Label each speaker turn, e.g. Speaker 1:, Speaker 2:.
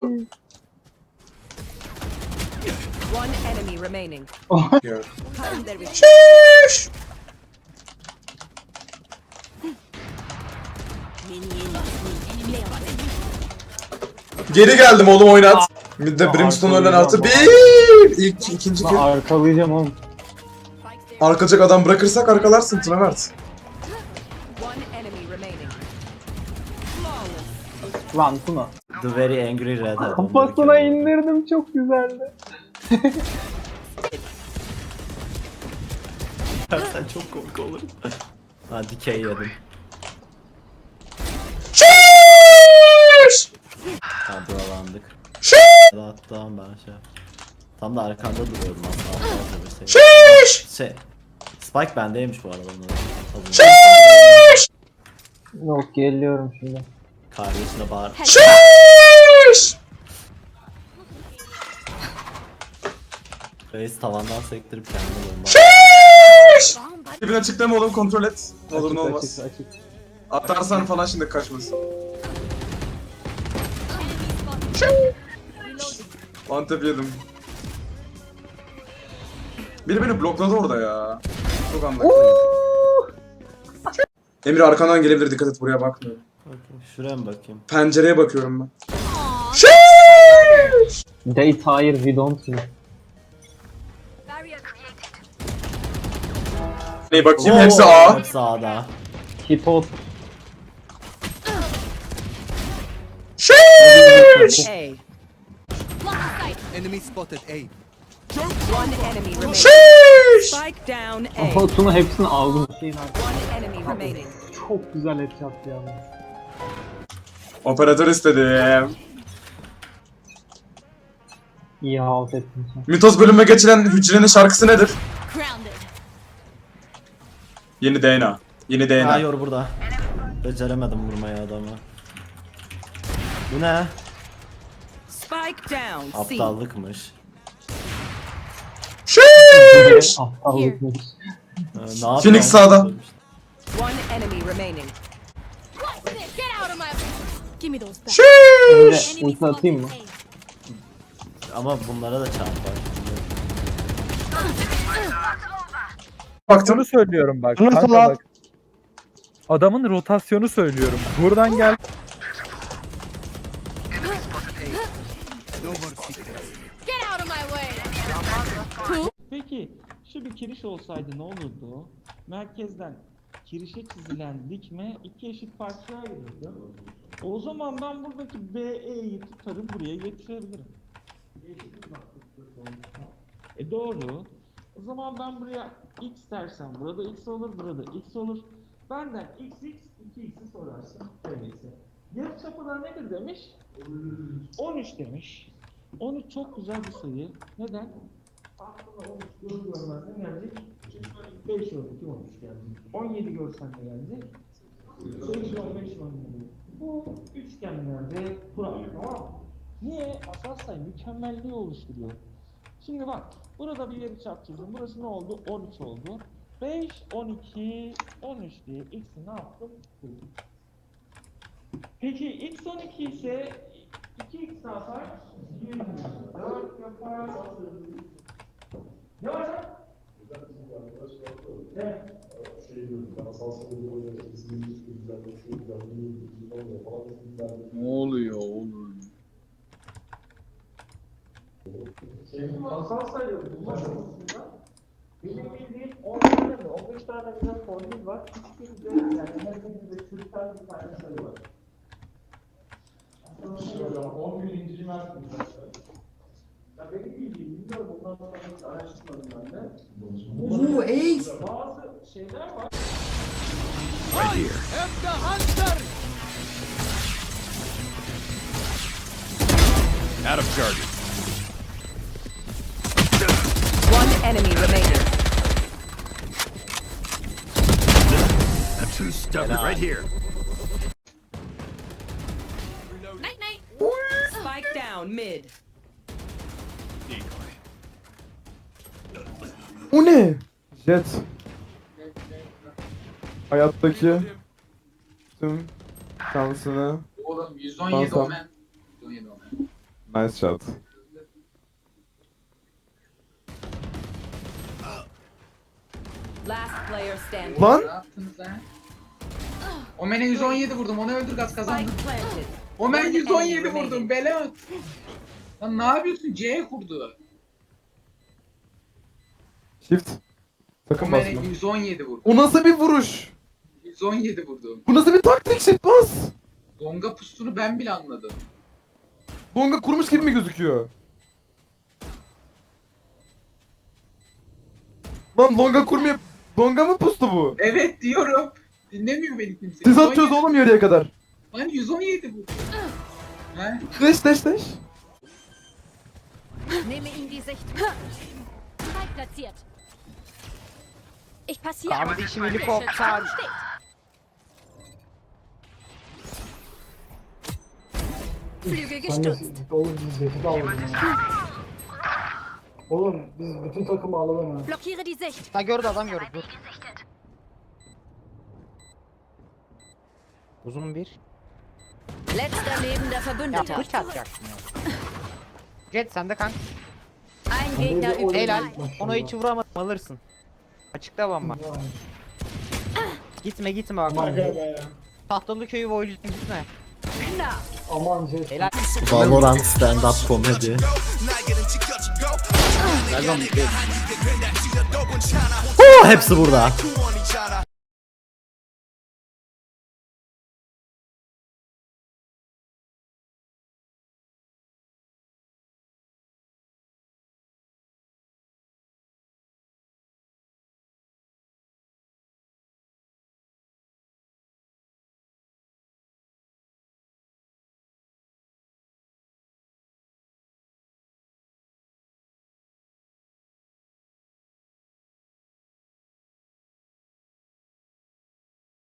Speaker 1: One enemy remaining.
Speaker 2: Yeah.
Speaker 1: There we go.
Speaker 2: Şşş! Geri geldim oğlum, oynat. Mid'de Brimstone ölen artı bir. İlk ikinci kill.
Speaker 3: Arkalayacağım oğlum.
Speaker 2: Arkalacak adam bırakırsak arkalarsın Tuna Mert.
Speaker 1: One enemy remaining.
Speaker 3: Lan Tuna.
Speaker 4: The very angry red head.
Speaker 3: Kafasına indirdim, çok güzeldi.
Speaker 4: Sen çok komik olur. Ha dikey yedim.
Speaker 2: Şşş!
Speaker 4: Ha buralandık.
Speaker 2: Şşş!
Speaker 4: Rahattan ben şey. Tam da arkanda duruyordum aslında. Şey. Spike bendeymiş bu arada.
Speaker 2: Şşş!
Speaker 3: Yok, geliyorum şimdi.
Speaker 4: Kardeşine bağır.
Speaker 2: Şşş!
Speaker 4: Reis tavandan sektirip kendine bomba.
Speaker 2: Şşş! Dibine açıklama oğlum, kontrol et. Ne olur ne
Speaker 3: Açık,
Speaker 2: olmaz.
Speaker 3: açık, açık.
Speaker 2: Atarsan falan şimdi kaçmasın. Antep yedim. Biri beni blokladı orada ya. Çok anladım. Emir arkandan gelebilir, dikkat et, buraya bakmıyorum.
Speaker 4: Bakayım, şuraya mı bakayım?
Speaker 2: Pencereye bakıyorum ben.
Speaker 3: Date hayır, we don't know.
Speaker 2: Neye bakayım, hepsi A.
Speaker 4: Hepsi A'da.
Speaker 3: Hipot.
Speaker 2: Şşş!
Speaker 1: A.
Speaker 5: Enemy spotted A.
Speaker 1: One enemy remaining.
Speaker 2: Şşş!
Speaker 1: Spike down A.
Speaker 3: Ama Tuna hepsini aldım.
Speaker 1: One enemy remaining.
Speaker 3: Çok güzel et yaptı ya.
Speaker 2: Operatör istedim.
Speaker 3: İyi halt ettin sen.
Speaker 2: Mitoz bölüme geçilen hücrenin şarkısı nedir? Yeni DNA. Yeni DNA.
Speaker 4: Hayır burada. Beceremedim vurmayı adamı. Bu ne?
Speaker 1: Spike down C.
Speaker 4: Aptallıkmış.
Speaker 2: Şşş!
Speaker 3: Aptallıkmış.
Speaker 4: Ne yapıyor?
Speaker 2: Phoenix sağda.
Speaker 1: One enemy remaining.
Speaker 6: Get out of my. Give me those back.
Speaker 2: Şşş!
Speaker 3: Önce ulti atayım mı?
Speaker 4: Ama bunlara da çarpar.
Speaker 2: Baktım.
Speaker 7: Bunu söylüyorum bak.
Speaker 8: Nasıl
Speaker 7: Kanka
Speaker 8: lan?
Speaker 7: bak. Adamın rotasyonu söylüyorum. Buradan gel.
Speaker 5: No more secrets.
Speaker 6: Get out of my way.
Speaker 9: Peki şu bir kiriş olsaydı ne olurdu? Merkezden kirişe çizilen dikme iki eşit parçaya ayrılırdı. O zaman ben buradaki BE'yi tutarım buraya getirebilirim. Doğru. O zaman ben buraya x dersem burada x olur, burada x olur. Benden x, 2x'i sorarsın. Öyleyse. Yarıçapı da nedir demiş? 13 demiş. 13 çok güzel bir sayı. Neden? Aklına 13 görmez ne gelecek? 5 12 13 gelecek. 17 görsen ne gelecek? 5 15 17. Bu üçgenlerde kural, tamam mı? Niye? Asal sayı mükemmelliği oluşturuyor. Şimdi bak, burada bir yarıçap çizdim. Burası ne oldu? 13 oldu. 5, 12, 13 diye x'i ne yaptım? Buldum. Peki x 12 ise 2x ne yapar? 24 yapar. Ne var lan? Evet.
Speaker 8: Ne oluyor oğlum?
Speaker 9: Asal sayı bulmak konusunda benim bildiğim 10 tane mi 15 tane güzel formül var. Hiçbirinde yani her birinde çürüten bir tane sayı var. Aslında 10 gün incelemezsin. Ya benim bildiğim bilmiyorum, bundan sonra hiç araştırmadım ben de.
Speaker 2: Oo, ey!
Speaker 9: Bazı şeyler var.
Speaker 5: Out of charges.
Speaker 1: One enemy remaining.
Speaker 5: I'm too stubborn. Right here.
Speaker 6: Night night.
Speaker 1: Spike down mid.
Speaker 5: Decoy.
Speaker 8: O ne? Jet. Hayattaki tüm şansını
Speaker 10: Oğlum 117
Speaker 8: Tamam.
Speaker 10: omen. 117 omen.
Speaker 8: Nice shot.
Speaker 1: Last player standing.
Speaker 8: Lan!
Speaker 10: Ne yaptınız ha? Omen'e 117 vurdum. Onu öldür gaz kazandı.
Speaker 1: Spike planted.
Speaker 10: Omen 117 vurdum. Belat. Lan ne yapıyorsun? C kurdu.
Speaker 8: Shift. Sakın
Speaker 10: Omen'e
Speaker 8: basma.
Speaker 10: 117 vurdum.
Speaker 8: O nasıl bir vuruş?
Speaker 10: 117 vurdum.
Speaker 8: Bu nasıl bir taktik? Shift bas.
Speaker 10: Donga pustunu ben bile anladım.
Speaker 8: Bonga kurmuş gibi mi gözüküyor? Lan Longa kurmuyor. Longa mı pustu bu?
Speaker 10: Evet diyorum. Dinlemiyor beni kimse.
Speaker 8: Siz atıyoruz oğlum yarıya kadar.
Speaker 10: Lan 117 vurdum. He?
Speaker 8: Dash dash dash.
Speaker 6: Nehme ihm die Sicht. Spike platziert. Ich passiere.
Speaker 11: Kardeşim helikopter.
Speaker 6: Flügel
Speaker 3: Ben de
Speaker 6: gestutzt.
Speaker 3: oğlum biz Jet'i de alalım ya. Oğlum biz bütün takımı alalım ha.
Speaker 6: Blockiere die Sicht.
Speaker 11: Ha gördü adam gördü. Dur. Uzun bir.
Speaker 1: Letzter lebender
Speaker 11: Ya
Speaker 1: Verbündeter.
Speaker 11: bıçak atacaksın ya. Jet sende kanka.
Speaker 1: Ein Gegner übrig.
Speaker 11: Helal. Onu hiç vuramadım alırsın. Açıkta bomba. Gitme gitme bak.
Speaker 3: Aman Jet.
Speaker 11: Tahtalı köyü boyunca gitme.
Speaker 3: Aman Jet.
Speaker 11: Helal.
Speaker 4: Valorant stand up comedy. Hepsi burada.